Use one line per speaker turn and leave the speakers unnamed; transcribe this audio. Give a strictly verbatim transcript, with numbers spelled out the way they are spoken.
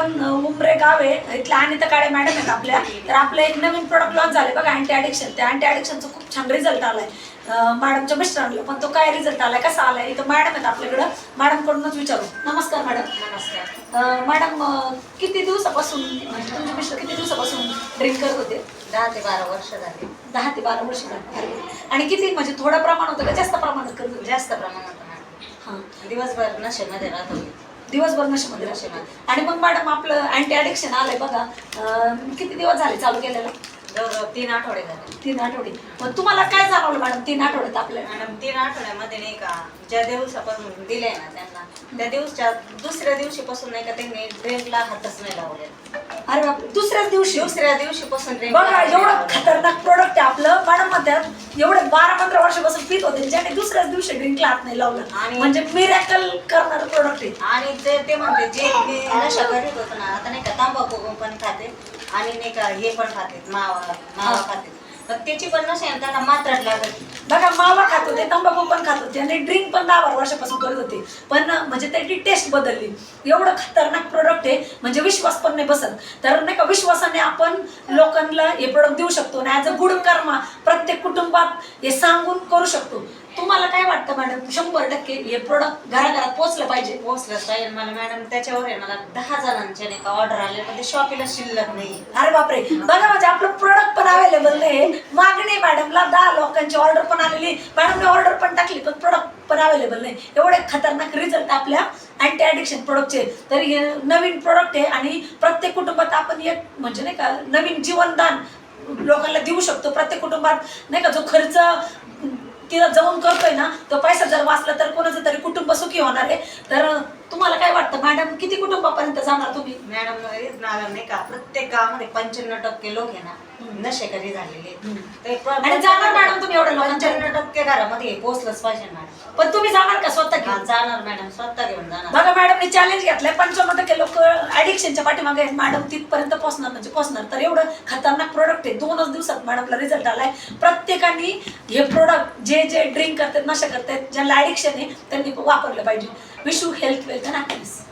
आपण उमरे गाव आहे इथल्या अनिता काळे मॅडम आहेत आपल्या. तर आपलं एक नवीन प्रोडक्ट लॉन्च झाले बघा अँटी ॲडिक्शन. त्या अँटी ॲडिक्शनचा खूप छान रिझल्ट आलाय मॅडमच्या मिस्टरांना. पण तो काय रिझल्ट आलाय कसा आलाय इथं मॅडम आहेत आपल्याकडं. मॅडमकडूनच विचारू. नमस्कार मॅडम.
नमस्कार
मॅडम, किती दिवसापासून म्हणजे तुमचे मिस्टर किती दिवसापासून ड्रिंक करत होते?
दहा ते बारा वर्ष झाली.
दहा ते बारा वर्ष झाली. आणि किती म्हणजे थोडं प्रमाण होतं का जास्त प्रमाणात करत होते?
जास्त प्रमाणात
हां,
दिवसभर नशेमध्ये राहत होती.
दिवसभर नशेमध्ये
नशेमध्ये.
आणि मग मॅडम आपलं अँटी ॲडिक्शन आलंय बघा, किती दिवस झाले चालू केलेलं?
जवळजवळ तीन आठवडे झाले.
तीन आठवडे. मग तुम्हाला काय जाणवलं मॅडम तीन आठवड्यात आपल्या?
मॅडम तीन आठवड्यामध्ये नाही का ज्या दिवसापासून दिले ना त्यांना त्या दिवसच्या दुसऱ्या दिवशीपासून नाही का त्यांनी ड्रिंकला हातच नाही लावले.
अरे बाप, दुसऱ्याच दिवशी?
दुसऱ्या दिवशीपासून drink
बघा
ला
एवढं
लावले.
खतरनाक प्रोडक्ट आहे आपलं. मॅडम म्हणतात एवढे बारा पंधरा वर्षापासून पित होते ज्याने दुसऱ्याच दिवशी ड्रिंकला हात नाही लावलं.
आणि
म्हणजे मिरॅकल करणारं प्रोडक्ट आहे.
आणि ते ते म्हणते जे मी नशा करीत होतो ना आता नाही का तांबाखू पण खाते आणि नाही का हे पण खाते मावा मावा खाते. पण त्याची पण नशा आहे त्यांना मात्रात लागत.
बघा मावा खात होते, तंबाखू पण खात होते आणि ड्रिंक पण दहा बारा वर्षापासून करत होते. पण म्हणजे त्याची टेस्ट बदलली. एवढं खतरनाक प्रोडक्ट आहे म्हणजे विश्वास पण नाही बसत. तर नाही का विश्वासाने आपण लोकांना हे प्रोडक्ट देऊ शकतो आणि ॲज अ गुड कर्मा प्रत्येक कुटुंबात हे सांगून करू शकतो. तुम्हाला काय वाटतं मॅडम? शंभर टक्के हे प्रोडक्ट घराघरात पोहोचलं पाहिजे.
पोहोचलंच पाहिजे. मला मॅडम त्याच्यावर आहे मला दहा जणांचे नाही का ऑर्डर आले पण ते शॉपीला शिल्लक नाही.
अरे बापरे, बघा म्हणजे आपलं प्रोडक्ट पण अवेलेबल नाही. मागणी मॅडमला दहा लोकांची ऑर्डर पण आलेली, मॅडमने ऑर्डर पण टाकली पण प्रोडक्ट पण अवेलेबल नाही. एवढे खतरनाक रिझल्ट आपल्या अँटी ॲडिक्शन प्रोडक्टचे. तर हे नवीन प्रोडक्ट आहे आणि प्रत्येक कुटुंबात आपण एक म्हणजे नाही का नवीन जीवनदान लोकांना देऊ शकतो. प्रत्येक कुटुंबात नाही का जो खर्च तिला जाऊन करतोय ना तो पैसा जर वाचला तर कोणाचं तरी कुटुंब सुखी होणार आहे. तर तुम्हाला काय वाटतं मॅडम, किती कुटुंबापर्यंत जाणार तुम्ही?
मॅडम नाही का प्रत्येक गावामध्ये पंच्याण्णव टक्के लोक आहे ना नशेकरी झालेले.
आणि जाणार मॅडम तुम्ही एवढ्या लोकांच्या?
पंच्याण्णव टक्के घरामध्ये पोहोचलंच पाहिजे मॅडम.
पण तुम्ही जाणार का स्वतः घेऊन?
जाणार मॅडम, स्वतः घेऊन जाणार.
बघा मॅडमने चॅलेंज घेतलंय. पंच्याण्णव टक्के लोक ऍडिक्शनच्या पाठीमागे आहेत. मॅडम तिथपर्यंत पोहोचणार म्हणजे पोहोचणार. तर एवढं खतरनाक प्रोडक्ट आहे. दोनच दिवसात मॅडमला रिझल्ट आलाय. प्रत्येकाने हे प्रोडक्ट जे जे ड्रिंक करतात नशा करतात ज्यांना ऍडिक्शन आहे त्यांनी वापरलं पाहिजे. Wish you health, wealth and happiness.